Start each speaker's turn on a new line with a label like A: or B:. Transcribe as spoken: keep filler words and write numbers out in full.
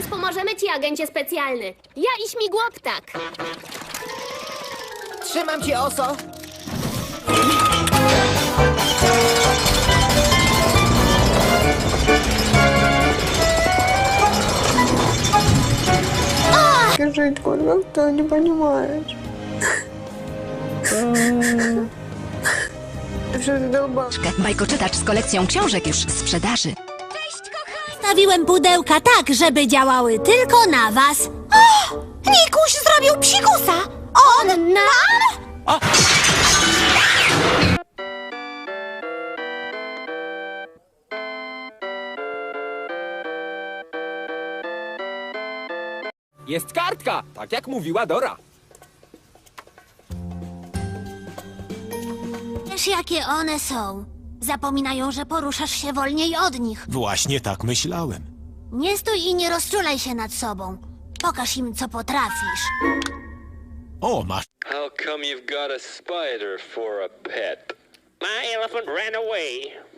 A: pomożemy ci, agencie specjalny. Ja i śmigłoptak.
B: Trzymam cię, Oso.
C: Скажи, как ты не понимаешь? Że dolba.
D: Bajkoczytacz z kolekcją książek już w sprzedaży.
E: Stawiłem pudełka tak, żeby działały tylko na was. O! Nikuś zrobił psikusa! On nam?
F: Jest kartka, tak jak mówiła Dora.
E: Wiesz, jakie one są. Zapominają, że poruszasz się wolniej od nich.
G: Właśnie tak myślałem.
E: Nie stój i nie rozczulaj się nad sobą. Pokaż im, co potrafisz.
G: O, masz
H: How come you've got a spider for a pet? My elephant ran away,